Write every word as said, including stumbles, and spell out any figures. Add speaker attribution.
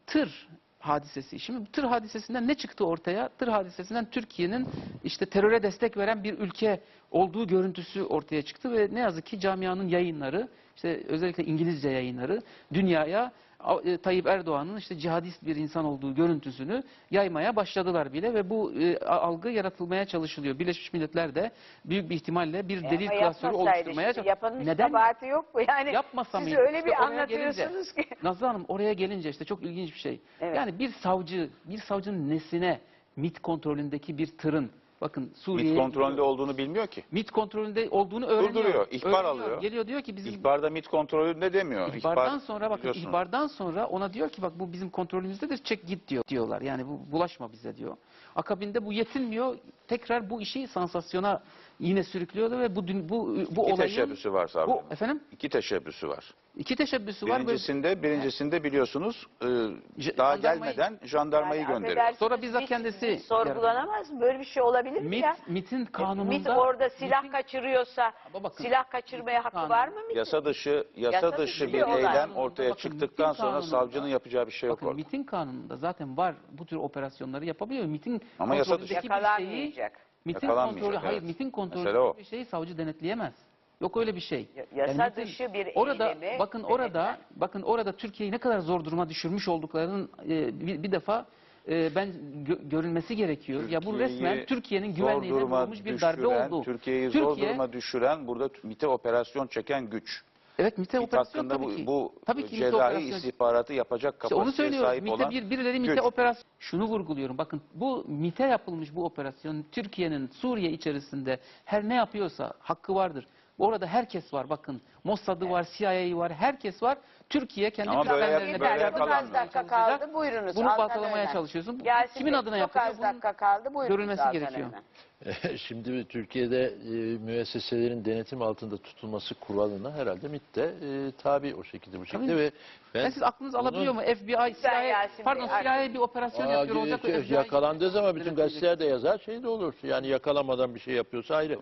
Speaker 1: tır hadisesi. Şimdi tır hadisesinden ne çıktı ortaya? Tır hadisesinden Türkiye'nin işte teröre destek veren bir ülke olduğu görüntüsü ortaya çıktı ve ne yazık ki camianın yayınları, işte özellikle İngilizce yayınları dünyaya Tayyip Erdoğan'ın işte cihadist bir insan olduğu görüntüsünü yaymaya başladılar bile ve bu e, algı yaratılmaya çalışılıyor. Birleşmiş Milletler de büyük bir ihtimalle bir
Speaker 2: E
Speaker 1: delil
Speaker 2: ama
Speaker 1: klasörü
Speaker 2: yapmasaydı
Speaker 1: oluşturmaya
Speaker 2: şimdi,
Speaker 1: çalışıyor.
Speaker 2: yapanın hiç
Speaker 1: Neden
Speaker 2: kabahati yok mu? Yani
Speaker 1: yapmasa
Speaker 2: siz
Speaker 1: mıydı?
Speaker 2: öyle
Speaker 1: İşte
Speaker 2: bir
Speaker 1: oraya gelince,
Speaker 2: anlatıyorsunuz ki.
Speaker 1: Nazlı Hanım oraya gelince işte çok ilginç bir şey.
Speaker 2: Evet.
Speaker 1: Yani bir savcı, bir savcının nesine MİT kontrolündeki bir tırın, bakın Suriye'ye
Speaker 3: MİT kontrolünde
Speaker 1: gidiyor.
Speaker 3: olduğunu bilmiyor ki.
Speaker 1: MİT kontrolünde olduğunu öğreniyor.
Speaker 3: Durduruyor, ihbar
Speaker 1: Öğreniyor.
Speaker 3: alıyor.
Speaker 1: Geliyor diyor ki bizim
Speaker 3: İhbarda MİT kontrolünde demiyor.
Speaker 1: ihbardan
Speaker 3: İhbar,
Speaker 1: sonra bakın
Speaker 3: biliyorsunuz.
Speaker 1: ihbardan sonra ona diyor ki bak bu bizim kontrolümüzdedir, çek git diyor diyorlar. Yani bu bulaşma bize diyor. Akabinde bu yetinmiyor. Tekrar bu işi sansasyona yine sürüklüyordu ve bu dün- bu bu
Speaker 3: İki
Speaker 1: olayın
Speaker 3: teşebbüsü var savcının.
Speaker 1: bu efendim
Speaker 3: İki teşebbüsü var.
Speaker 1: iki teşebbüsü var. Böyle-
Speaker 3: Birincisinde, birincisinde biliyorsunuz e,
Speaker 1: J-
Speaker 3: daha
Speaker 1: jandarmayı-
Speaker 3: gelmeden jandarmayı
Speaker 2: Yani
Speaker 3: gönderiyor.
Speaker 2: affedersiniz,
Speaker 1: Sonra bizzat
Speaker 2: MİT
Speaker 1: kendisi
Speaker 2: sorgulanamaz mı? Böyle bir şey olabilir mi
Speaker 1: MİT,
Speaker 2: ya?
Speaker 1: MİT'in
Speaker 2: MİT
Speaker 1: kanununda
Speaker 2: orada silah
Speaker 1: MİT'in-
Speaker 2: kaçırıyorsa
Speaker 1: Ama bakın,
Speaker 2: silah kaçırmaya hakkı
Speaker 1: kanun-
Speaker 2: var mı MİT'in?
Speaker 3: Yasa dışı, yasa,
Speaker 2: Yasa
Speaker 3: dışı
Speaker 2: dışı
Speaker 3: bir
Speaker 2: bir olay.
Speaker 3: eylem ortaya
Speaker 1: Bakın,
Speaker 3: çıktıktan
Speaker 1: MİT'in
Speaker 3: sonra
Speaker 1: kanununda-
Speaker 3: savcının yapacağı bir şey yok
Speaker 1: Bakın
Speaker 3: orada.
Speaker 1: MİT'in kanununda zaten var bu tür operasyonları yapabiliyor. MİT'in
Speaker 3: Ama yasa dışı.
Speaker 1: kontrolündeki bir şeyi
Speaker 2: Yakalanmayacak.
Speaker 1: MİT'in
Speaker 3: Yakalanmayacak,
Speaker 1: kontrolü hayır
Speaker 3: evet.
Speaker 1: MİT'in
Speaker 3: Mesele o.
Speaker 1: kontrolü bir şeyi savcı denetleyemez. Yok öyle bir şey.
Speaker 2: Ya- yasa
Speaker 1: MİT'in-
Speaker 2: dışı bir
Speaker 1: orada
Speaker 2: eylemi
Speaker 1: bakın orada
Speaker 2: denetler.
Speaker 1: bakın orada Türkiye'yi ne kadar zor duruma düşürmüş olduklarının e, bir, bir defa e, ben gö- görülmesi gerekiyor. Ya bu
Speaker 3: Türkiye'yi
Speaker 1: resmen Türkiye'nin
Speaker 3: zor
Speaker 1: güvenliğine
Speaker 3: duruma
Speaker 1: vurulmuş bir darbe
Speaker 3: düşüren,
Speaker 1: oldu.
Speaker 3: Türkiye'yi zor
Speaker 1: Türkiye-
Speaker 3: duruma düşüren burada MİT'e operasyon çeken güç.
Speaker 1: Evet MİT'e
Speaker 3: MİT
Speaker 1: operasyon
Speaker 3: hakkında
Speaker 1: tabii
Speaker 3: bu,
Speaker 1: ki.
Speaker 3: bu
Speaker 1: tabii ki MİT'e
Speaker 3: cezai
Speaker 1: operasyon.
Speaker 3: istihbaratı yapacak
Speaker 1: İşte onu
Speaker 3: kapasiteye
Speaker 1: söylüyoruz.
Speaker 3: sahip
Speaker 1: MİT'e
Speaker 3: olan
Speaker 1: bir, birileri MİT'e
Speaker 3: güç.
Speaker 1: operasyon. Şunu vurguluyorum. Bakın bu MİT'e yapılmış bu operasyon Türkiye'nin Suriye içerisinde her ne yapıyorsa hakkı vardır. Orada herkes var. Bakın Mossad'ı var, C I A'yı var, herkes var. Türkiye kendi
Speaker 3: Ama böyle-
Speaker 1: kriterlerine
Speaker 3: böyle
Speaker 1: göre
Speaker 2: Yeter, çok az
Speaker 3: yakalanmıyor.
Speaker 2: dakika kaldı. Buyurunuz.
Speaker 1: Bunu
Speaker 2: Altan
Speaker 1: baltalamaya
Speaker 2: Öner.
Speaker 1: çalışıyorsun. Bu
Speaker 2: Gelsin
Speaker 1: kimin
Speaker 2: Bey,
Speaker 1: adına
Speaker 2: çok
Speaker 1: yapılıyor?
Speaker 2: az
Speaker 1: Bunun
Speaker 2: dakika kaldı. Buyurunuz
Speaker 1: görülmesi
Speaker 2: Altan
Speaker 1: gerekiyor.
Speaker 2: Öner.
Speaker 4: Şimdi Türkiye'de e, müesseselerin denetim altında tutulması kuralına herhalde MİT de e, tabi o şekilde bu şekilde
Speaker 1: Tabii.
Speaker 4: ve ben
Speaker 1: Yani siz aklınız
Speaker 4: bunun-
Speaker 1: alabiliyor mu? F B I, C I A,
Speaker 2: Yasin
Speaker 1: pardon
Speaker 2: Bey,
Speaker 1: C I A bir operasyon
Speaker 4: Aa,
Speaker 1: yapıyor olacak.
Speaker 4: şey,
Speaker 1: F B I
Speaker 4: yakalandığı zaman bütün
Speaker 1: denetleyecek.
Speaker 4: gazeteler de yazar şey de olur. Yani yakalamadan bir şey yapıyorsa ayrı.